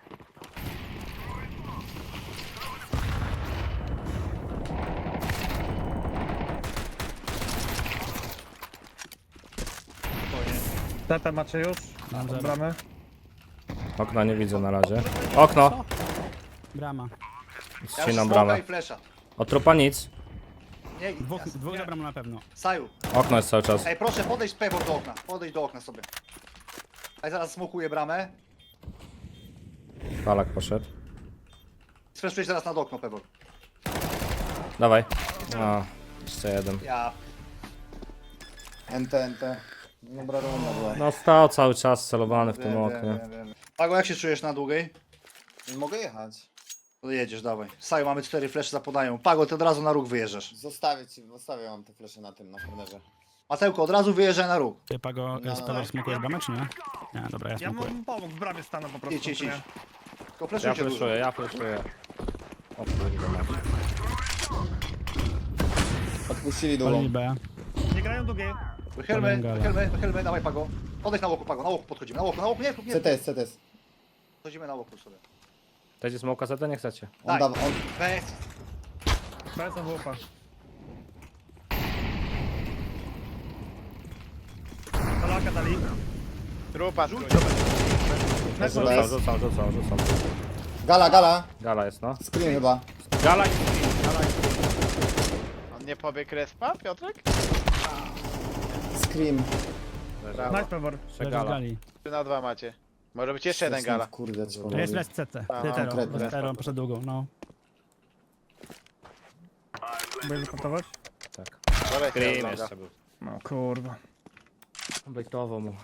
[SPEAKER 1] Tata macie już?
[SPEAKER 4] Mam
[SPEAKER 1] Od
[SPEAKER 4] zero.
[SPEAKER 1] bramy?
[SPEAKER 6] Okna nie widzę na razie. Okno!
[SPEAKER 4] Brama.
[SPEAKER 2] Ja już
[SPEAKER 6] Ścinam
[SPEAKER 2] smoka
[SPEAKER 6] bramę.
[SPEAKER 2] i flesza.
[SPEAKER 6] Od trupa nic.
[SPEAKER 2] Nie,
[SPEAKER 4] Dwóch za bramą na pewno.
[SPEAKER 2] Saju.
[SPEAKER 6] Okno jest cały czas.
[SPEAKER 2] Ej, proszę podejść Pewor do okna. Podejdź do okna sobie. Ej, zaraz smokuję bramę.
[SPEAKER 6] Palak poszedł.
[SPEAKER 2] Sfreszujesz zaraz nad okno, Pewor.
[SPEAKER 6] Dawaj. A, jeszcze jeden.
[SPEAKER 2] Ja.
[SPEAKER 3] NT. Dobra runda była.
[SPEAKER 6] No stał cały czas celowany w tym oknie.
[SPEAKER 2] Pago, jak się czujesz na długiej?
[SPEAKER 3] Mogę jechać.
[SPEAKER 2] To jedziesz, dawaj. Saju, mamy 4 flesze zapodają. Pago, ty od razu na róg wyjeżdżasz.
[SPEAKER 3] Zostawię wam te flesze na tym, na kornerze.
[SPEAKER 2] Matełko, od razu wyjeżdżaj na róg.
[SPEAKER 4] Ty Pago,
[SPEAKER 3] No,
[SPEAKER 4] z
[SPEAKER 3] no.
[SPEAKER 4] Pago smokujesz bramę, czy nie? Nie, dobra, ja
[SPEAKER 1] Ja
[SPEAKER 4] smokuję.
[SPEAKER 1] mu pomógł, w bramie stanął po prostu.
[SPEAKER 2] Idź, idź,
[SPEAKER 1] czy nie?
[SPEAKER 2] idź. Tylko
[SPEAKER 6] Ja
[SPEAKER 2] fleszujcie dużo.
[SPEAKER 6] fleszuję, ja fleszuję. O kurde, mać.
[SPEAKER 3] Odpuścili
[SPEAKER 4] Palili
[SPEAKER 3] długą.
[SPEAKER 4] B.
[SPEAKER 1] Nie grają długie.
[SPEAKER 2] Wychylmy, dawaj Pago. Odejdź na łoku, Pago, na łoku podchodzimy. Na łoku, nie, nie.
[SPEAKER 3] CTS.
[SPEAKER 2] Podchodzimy na łoku sobie.
[SPEAKER 6] Chcecie smoka setę? Nie chcecie.
[SPEAKER 3] On
[SPEAKER 2] Daj.
[SPEAKER 3] da, on,
[SPEAKER 2] Weź.
[SPEAKER 1] Bez WP. Polaka dali.
[SPEAKER 5] Trupa, trupa.
[SPEAKER 6] Rzucam.
[SPEAKER 3] Gala.
[SPEAKER 6] Gala jest, no.
[SPEAKER 3] Screen chyba.
[SPEAKER 6] Gala i
[SPEAKER 5] On nie pobiegł respa, Piotrek?
[SPEAKER 3] Scream.
[SPEAKER 5] Brawo.
[SPEAKER 1] Nice Pevor.
[SPEAKER 6] jeszcze
[SPEAKER 4] Leży w
[SPEAKER 6] gala.
[SPEAKER 4] gali.
[SPEAKER 5] 3 na 2 macie. Może być jeszcze jeden gala.
[SPEAKER 3] Kurde, co
[SPEAKER 4] To jest res CT. Ty Tero.
[SPEAKER 3] konkretnie.
[SPEAKER 4] Tero poszedł długą, no.
[SPEAKER 1] Będziesz reportować?
[SPEAKER 6] Tak.
[SPEAKER 5] Dobra,
[SPEAKER 6] Scream jeszcze był.
[SPEAKER 1] No kurwa.
[SPEAKER 6] Bejtowo mu.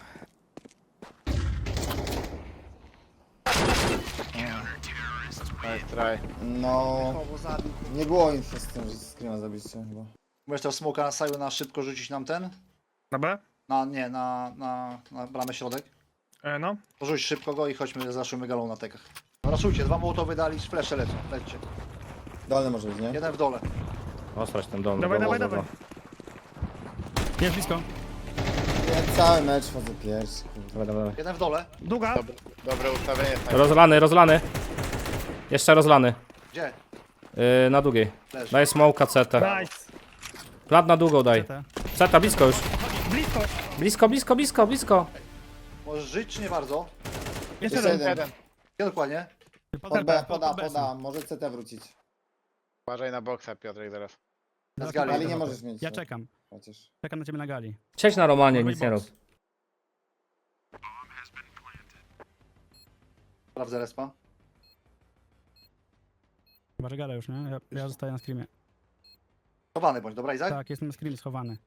[SPEAKER 5] Nice try.
[SPEAKER 3] No, nie było info z tym, że screama zabiliście chyba.
[SPEAKER 2] Możesz tego smoka na Saju na szybko rzucić nam ten?
[SPEAKER 1] Dobra?
[SPEAKER 2] Na bramę środek.
[SPEAKER 1] No.
[SPEAKER 2] Porzuć szybko go i chodźmy, zaszujmy galą na tekach. Raszujcie, 2 mołotowy dali, flesze lecą, lećcie.
[SPEAKER 3] Dolny może być, nie?
[SPEAKER 2] Jeden w dole.
[SPEAKER 6] Ostrać ten dom.
[SPEAKER 1] Dawaj.
[SPEAKER 4] Jest blisko.
[SPEAKER 3] Ja cały mecz chodzę pierwszy, kurde.
[SPEAKER 6] Dawaj.
[SPEAKER 2] Jeden w dole.
[SPEAKER 1] Długa.
[SPEAKER 5] Dobre ustawienie. Tak.
[SPEAKER 6] Rozlany. Jeszcze rozlany.
[SPEAKER 2] Gdzie?
[SPEAKER 6] Na długiej.
[SPEAKER 2] Leży.
[SPEAKER 6] Daj smoka CT.
[SPEAKER 1] Nice.
[SPEAKER 6] Plat na długą daj.
[SPEAKER 4] CT.
[SPEAKER 6] CT blisko już.
[SPEAKER 1] Blisko.
[SPEAKER 6] Blisko.
[SPEAKER 2] Możesz żyć czy nie bardzo?
[SPEAKER 1] Jeszcze
[SPEAKER 3] Jeszcze
[SPEAKER 1] jeden.
[SPEAKER 3] jeden.
[SPEAKER 2] Gdzie dokładnie?
[SPEAKER 3] Pod B, poda. Może CT wrócić.
[SPEAKER 5] Uważaj na boksa, Piotrek, zaraz.
[SPEAKER 2] Na gali.
[SPEAKER 3] Ali nie możesz mieć.
[SPEAKER 4] Ja czekam.
[SPEAKER 3] Chociaż.
[SPEAKER 4] Czekam na ciebie na gali.
[SPEAKER 6] Siedź na Romanie,
[SPEAKER 4] Mój
[SPEAKER 6] nic nie rób.
[SPEAKER 4] box.
[SPEAKER 2] Sprawdzę respa.
[SPEAKER 4] Chyba, że gala już, nie? Ja zostaję na screamie.
[SPEAKER 2] Chowany bądź, dobra Izak?
[SPEAKER 4] Tak, jestem na screamie schowany.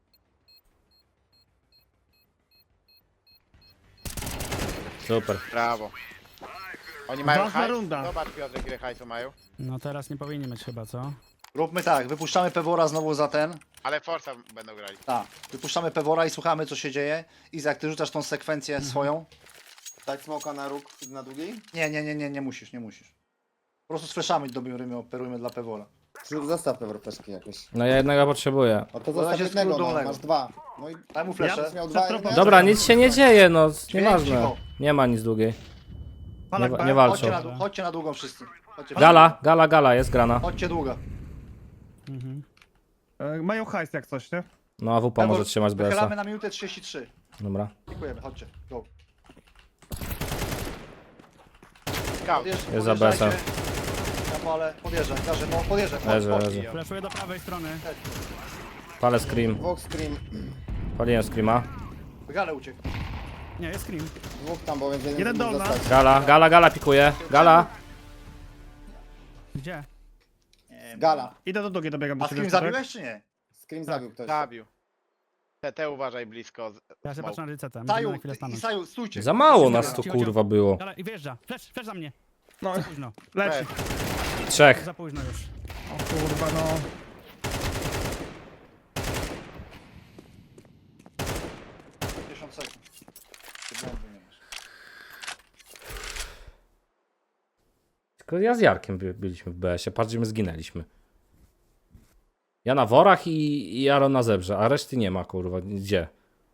[SPEAKER 6] Super.
[SPEAKER 5] Brawo. Oni mają
[SPEAKER 1] Ważna
[SPEAKER 5] hajs?
[SPEAKER 1] runda.
[SPEAKER 5] Zobacz, Piotrek, ile hajsu mają.
[SPEAKER 4] No teraz nie powinni mieć chyba, co?
[SPEAKER 2] Róbmy tak, wypuszczamy Pewora znowu za ten.
[SPEAKER 5] Ale Forza będą grali.
[SPEAKER 2] Tak, wypuszczamy Pewora i słuchamy co się dzieje. Izak, ty rzucasz tą sekwencję swoją?
[SPEAKER 3] Dać smoka na róg, na długiej?
[SPEAKER 2] Nie musisz. Po prostu sfleszamy dobrymi, operujmy dla Pewora.
[SPEAKER 3] Zostaw pewor fleszki jakieś.
[SPEAKER 6] No ja jednego potrzebuję.
[SPEAKER 3] O to
[SPEAKER 2] Na
[SPEAKER 3] zostaw
[SPEAKER 2] razie
[SPEAKER 3] jednego,
[SPEAKER 2] skrót
[SPEAKER 3] no,
[SPEAKER 2] dolnego.
[SPEAKER 3] masz 2. No i
[SPEAKER 2] Daj mu fleszę.
[SPEAKER 3] będziesz miał 2
[SPEAKER 1] Dobra,
[SPEAKER 6] Dobra, nic się nie dzieje, no. Nieważne.
[SPEAKER 2] cicho.
[SPEAKER 6] Nie ma nic długiej.
[SPEAKER 1] Palak
[SPEAKER 6] Nie
[SPEAKER 1] B.
[SPEAKER 6] walczą.
[SPEAKER 2] Chodźcie na długą wszyscy. Chodźcie,
[SPEAKER 6] Gala jest grana.
[SPEAKER 2] chodźcie długa.
[SPEAKER 4] Mhm.
[SPEAKER 1] Mają hajs jak coś, nie?
[SPEAKER 6] No a WP może trzymać
[SPEAKER 2] Wychylamy
[SPEAKER 6] BS-a.
[SPEAKER 2] na minutę 33.
[SPEAKER 6] Dobra.
[SPEAKER 2] Dziękujemy, chodźcie. Go.
[SPEAKER 5] Scout.
[SPEAKER 6] Jest za BS-em.
[SPEAKER 2] Ja palę, podjeżdżaj, podjeżdżaj.
[SPEAKER 6] Leży.
[SPEAKER 4] Flashuję do prawej strony.
[SPEAKER 6] Palę scream.
[SPEAKER 3] Dwóch scream.
[SPEAKER 6] Paliłem screama.
[SPEAKER 2] Gale uciekł.
[SPEAKER 4] Nie, jest scream.
[SPEAKER 3] Dwóch tam, bo więc
[SPEAKER 1] Jeden
[SPEAKER 3] mógł
[SPEAKER 1] dolna.
[SPEAKER 3] zostać.
[SPEAKER 6] Gala pikuje. Gala.
[SPEAKER 4] Gdzie?
[SPEAKER 3] Gala.
[SPEAKER 1] Idę do długiej, dobiegam do
[SPEAKER 2] A
[SPEAKER 1] ciebie.
[SPEAKER 2] screen zabiłeś czy nie?
[SPEAKER 3] Scream zabił ktoś.
[SPEAKER 5] Zabił. TT uważaj blisko.
[SPEAKER 4] Ja się
[SPEAKER 5] Smoke.
[SPEAKER 4] patrzę na rycetę. Musimy
[SPEAKER 2] Saju,
[SPEAKER 4] na chwilę stanąć.
[SPEAKER 2] Saju, stójcie.
[SPEAKER 6] Za mało nas tu kurwa było.
[SPEAKER 4] Gala, i wjeżdża. Flash za mnie.
[SPEAKER 1] No,
[SPEAKER 4] Za późno.
[SPEAKER 1] leci.
[SPEAKER 6] 3.
[SPEAKER 4] Za późno już.
[SPEAKER 1] O kurwa, no.
[SPEAKER 6] Tylko ja z Jarkiem byliśmy w BS-ie. Patrz, gdzie my zginęliśmy. Ja na worach i Aaron na zebrze, a reszty nie ma kurwa. Gdzie?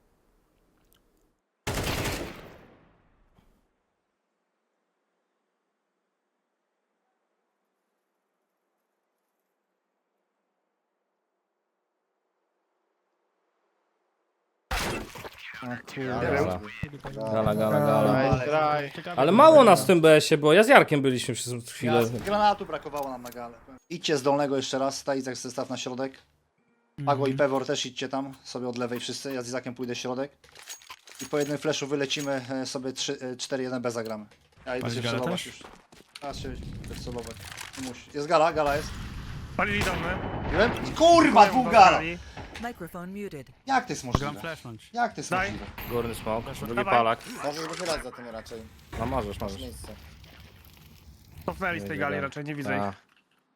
[SPEAKER 6] Gala. Gala.
[SPEAKER 5] Nice try.
[SPEAKER 4] Ciekawe,
[SPEAKER 6] Ale mało nas w tym BS-ie, bo ja z Jarkiem byliśmy przez chwilę.
[SPEAKER 2] Granatu brakowało nam na galę. Idźcie z dolnego jeszcze raz, ta Izak zestaw na środek. Pago i Pewor też idźcie tam, sobie od lewej wszyscy, ja z Izakiem pójdę środek. I po jednym flashu wylecimy sobie 4-1 B zagramy. Ja idę
[SPEAKER 4] Palisz
[SPEAKER 2] się
[SPEAKER 4] galę
[SPEAKER 2] wcelować
[SPEAKER 4] też?
[SPEAKER 2] już. Teraz się wcelować. Nie musi. Jest gala jest.
[SPEAKER 1] Palili dolny.
[SPEAKER 2] Wiem? Kurwa, dwóch gala!
[SPEAKER 8] Microphone muted.
[SPEAKER 2] Jak to jest
[SPEAKER 4] Gram
[SPEAKER 2] możliwe?
[SPEAKER 4] flashnąć.
[SPEAKER 2] Jak to jest
[SPEAKER 1] Daj.
[SPEAKER 2] możliwe?
[SPEAKER 6] Górny smoke, drugi
[SPEAKER 1] Dawaj.
[SPEAKER 6] palak.
[SPEAKER 3] Możesz wychylać za tym raczej.
[SPEAKER 6] No możesz.
[SPEAKER 3] Masz miejsce.
[SPEAKER 1] Cofnęli z tej gali raczej, nie widzę ich.
[SPEAKER 6] Tak.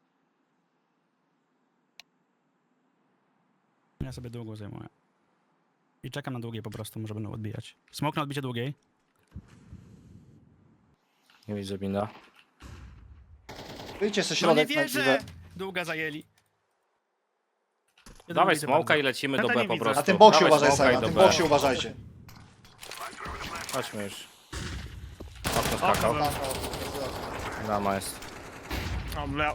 [SPEAKER 4] Ja sobie długą zajmuję. I czekam na długiej po prostu, może będą odbijać. Smok na odbicie długiej.
[SPEAKER 6] Nie widzę binda.
[SPEAKER 2] Wyjdźcie sobie
[SPEAKER 4] No nie
[SPEAKER 2] środek na
[SPEAKER 4] wierzę!
[SPEAKER 2] dziwę.
[SPEAKER 4] Długa zajęli. Jeden
[SPEAKER 6] Dawaj
[SPEAKER 4] bity
[SPEAKER 6] smoka
[SPEAKER 4] bardzo.
[SPEAKER 6] i lecimy do
[SPEAKER 1] Tata
[SPEAKER 6] B
[SPEAKER 1] nie
[SPEAKER 6] po
[SPEAKER 1] widzę.
[SPEAKER 6] prostu.
[SPEAKER 2] Na tym boksie
[SPEAKER 6] Dawaj
[SPEAKER 2] uważaj
[SPEAKER 6] smoka
[SPEAKER 2] sobie,
[SPEAKER 6] i
[SPEAKER 2] na
[SPEAKER 6] do
[SPEAKER 2] tym
[SPEAKER 6] B.
[SPEAKER 2] boksie uważajcie.
[SPEAKER 6] Chodźmy już. Okno skakał. Brama jest.
[SPEAKER 1] O, blał.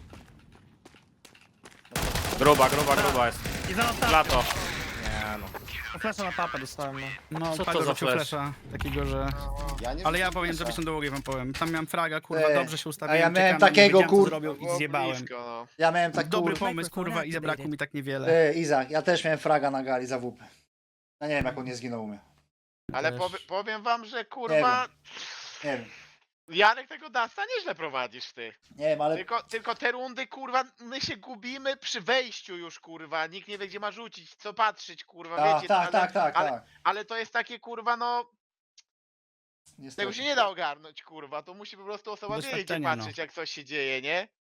[SPEAKER 6] Gruba jest.
[SPEAKER 1] I zaraz tam.
[SPEAKER 6] Lato. Nie no.
[SPEAKER 1] Flesza na tapę dostałem, no.
[SPEAKER 4] No,
[SPEAKER 6] Co
[SPEAKER 4] Pago
[SPEAKER 6] to za
[SPEAKER 4] rzucił
[SPEAKER 6] flash?
[SPEAKER 4] flasha, takiego, że...
[SPEAKER 3] Ja nie
[SPEAKER 4] Ale ja
[SPEAKER 3] wrzuciłem
[SPEAKER 4] powiem,
[SPEAKER 3] flesza.
[SPEAKER 4] żebyś na długiej wam powiem. Tam miałem fraga, kurwa,
[SPEAKER 2] Ej,
[SPEAKER 4] dobrze się
[SPEAKER 2] a
[SPEAKER 4] ustawiłem,
[SPEAKER 2] ja miałem
[SPEAKER 4] czekałem na nie,
[SPEAKER 2] takiego,
[SPEAKER 4] wiedziałem, co
[SPEAKER 2] kur-
[SPEAKER 4] zrobił i
[SPEAKER 5] Było
[SPEAKER 4] zjebałem.
[SPEAKER 5] blisko, no.
[SPEAKER 2] Ja miałem tak
[SPEAKER 4] Dobry
[SPEAKER 2] kur...
[SPEAKER 4] pomysł, kurwa, i zabrakło mi tak niewiele.
[SPEAKER 2] Izak, ja też miałem fraga na gali za WP. Ja nie wiem jak on nie zginął u mnie.
[SPEAKER 5] Ale
[SPEAKER 4] Też.
[SPEAKER 5] powiem wam, że kurwa...
[SPEAKER 2] Nie wiem.
[SPEAKER 5] Janek tego Dasta nieźle prowadzisz ty.
[SPEAKER 2] Nie wiem, ale
[SPEAKER 5] Tylko te rundy, kurwa, my się gubimy przy wejściu już, kurwa. Nikt nie wie, gdzie ma rzucić, co patrzeć, kurwa,
[SPEAKER 2] tak,
[SPEAKER 5] wiecie.
[SPEAKER 2] tak,
[SPEAKER 5] ale,
[SPEAKER 2] tak.
[SPEAKER 5] ale to jest takie, kurwa, no, tego
[SPEAKER 2] Niestety.
[SPEAKER 5] się nie da ogarnąć, kurwa. To musi po prostu osoba wiedzieć, gdzie
[SPEAKER 4] Doświadczenie, no.
[SPEAKER 5] patrzeć, jak coś się dzieje, nie?